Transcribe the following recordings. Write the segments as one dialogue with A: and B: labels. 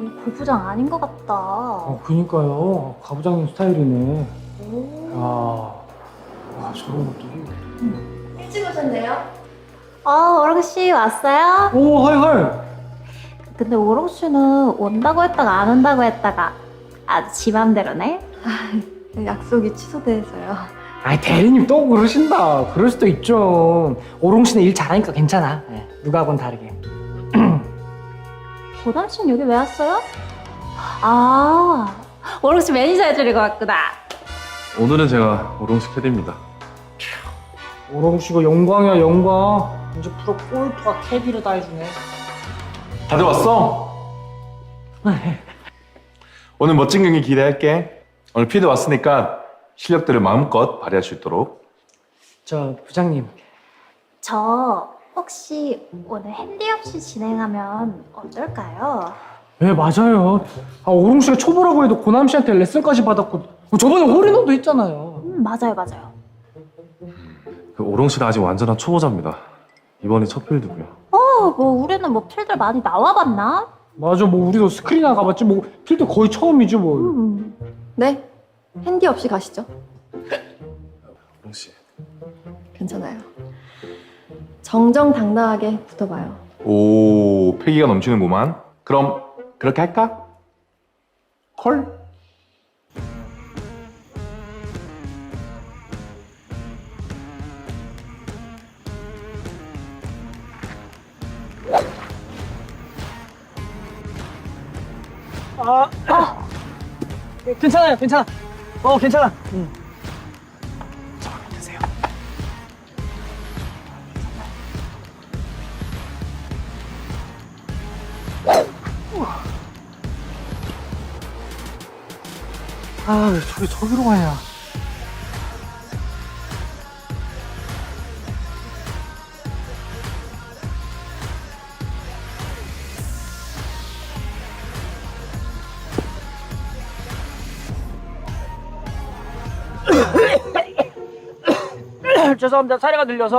A: 여기 골프장 아닌 것 같다.
B: 그니까요. 가부장님 스타일이네.
A: 오.
B: 와, 저런 것도.
C: 일찍 오셨네요?
A: 오롱 씨 왔어요?
B: 오, 헐.
A: 근데 오롱 씨는 온다고 했다가 안 온다고 했다가 아주 지 맘대로네.
C: 약속이 취소돼서요.
B: 아이, 대리님 또 그러신다. 그럴 수도 있죠. 오롱 씨는 일 잘하니까 괜찮아. 네, 누가하고는 다르게.
A: 고담 씨는 여기 왜 왔어요? 오롱 씨 매니저 해주려고 왔구나.
D: 오늘은 제가 오롱씨 캐디입니다.
B: 오롱 씨가 영광이야, 영광. 이제 프로 골프와 캐디를 다 해주네.
D: 다들 왔어? 오늘 멋진 경기 기대할게. 오늘 피드 왔으니까 실력들을 마음껏 발휘할 수 있도록.
B: 저 부장님.
A: 저 혹시 오늘 핸디 없이 진행하면 어떨까요?
B: 네, 맞아요. 오롱 씨가 초보라고 해도 고남 씨한테 레슨까지 받았고 저번에 홀인원도 했잖아요.
A: 맞아요.
D: 그 오롱씨는 아직 완전한 초보자입니다. 이번이 첫 필드고요.
A: 우리는 뭐 필들 많이 나와봤나?
B: 맞아, 뭐 우리도 스크린이나 가봤지 뭐 필드 거의 처음이지 뭐.
C: 네, 핸디 없이 가시죠.
D: 오롱씨.
C: 괜찮아요. 정정당당하게 붙어봐요.
D: 오, 패기가 넘치는구만. 그럼 그렇게 할까? 콜?
B: 괜찮아요, 괜찮아. 괜찮아.
D: 드세요.
B: 왜 저기로 가냐. 죄송합니다. 사례가 들려서.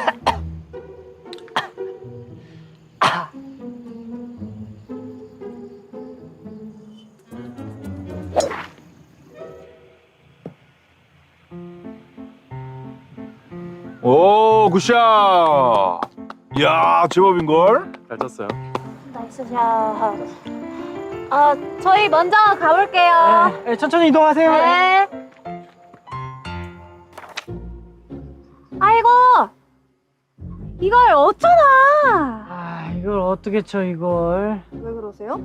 D: 오, 굿샷! 이야, 제법인걸? 잘 쳤어요.
A: 나이스 샷. 저희 먼저 가볼게요.
B: 네, 천천히 이동하세요.
A: 네. 아이고, 이걸 어쩌나.
B: 이걸 어떻게 쳐, 이걸.
C: 왜 그러세요?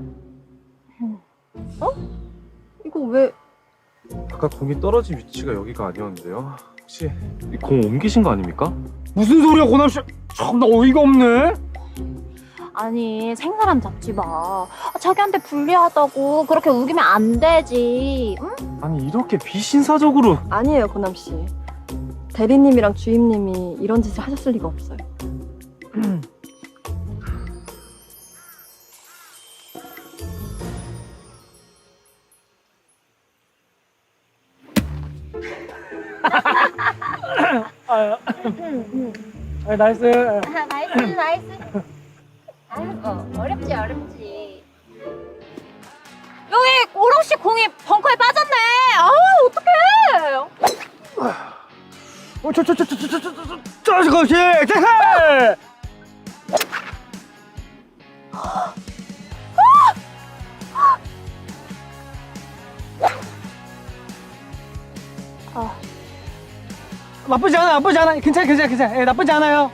C: 이거 왜...
D: 아까 공이 떨어진 위치가 여기가 아니었는데요. 혹시 이 공 옮기신 거 아닙니까?
B: 무슨 소리야, 고남씨. 참나 어이가 없네.
A: 아니, 생사람 잡지 마. 자기한테 불리하다고 그렇게 우기면 안 되지. 응?
D: 아니 이렇게 비신사적으로.
C: 아니에요, 고남씨. 대리님이랑 주임님이 이런 짓을 하셨을 리가 없어요.
B: 나이스.
A: 나이스. 아이고, 어렵지. 여기 오롱씨 공이 벙커에 빠졌네. 어떡해.
B: 그렇지. 제해. 나쁘지 않아. 괜찮아. 예, 나쁘지 않아요.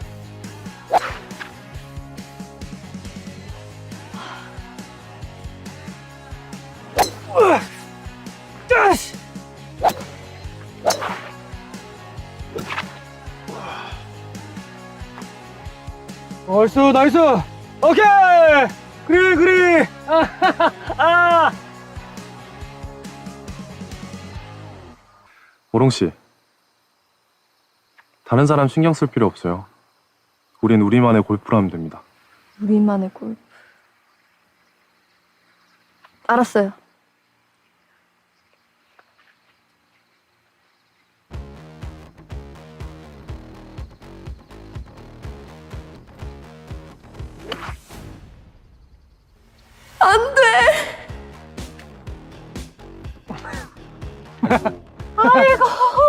B: 나이스. 오케이. 그래.
D: 오롱씨, 다른 사람 신경 쓸 필요 없어요. 우린 우리만의 골프를 하면 됩니다.
C: 우리만의 골프. 알았어요. 안 돼.
A: 아이고.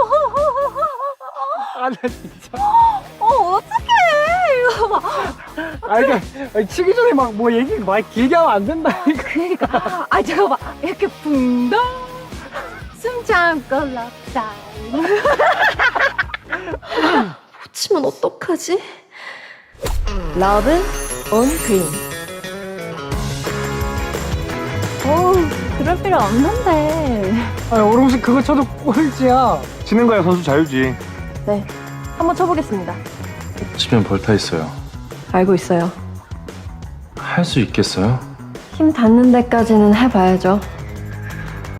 B: 아, 나 진짜.
A: 어떡해. 이거 봐.
B: 아, 그러니까 치기 전에 막 뭐 얘기 막 길게 하면 안 된다.
A: 그러니까. 아, 저거 봐. 이렇게 붕덩. 숨 참고 럽다.
C: 치면 어떡하지? 러브 온 그린.
A: 그럴 필요 없는데.
B: 아, 오롱씨 그거 쳐도 꼴찌야.
D: 치는 거야 선수 자유지.
C: 네, 한번 쳐보겠습니다.
D: 치면 벌타 있어요.
C: 알고 있어요.
D: 할 수 있겠어요?
C: 힘 닿는 데까지는 해봐야죠.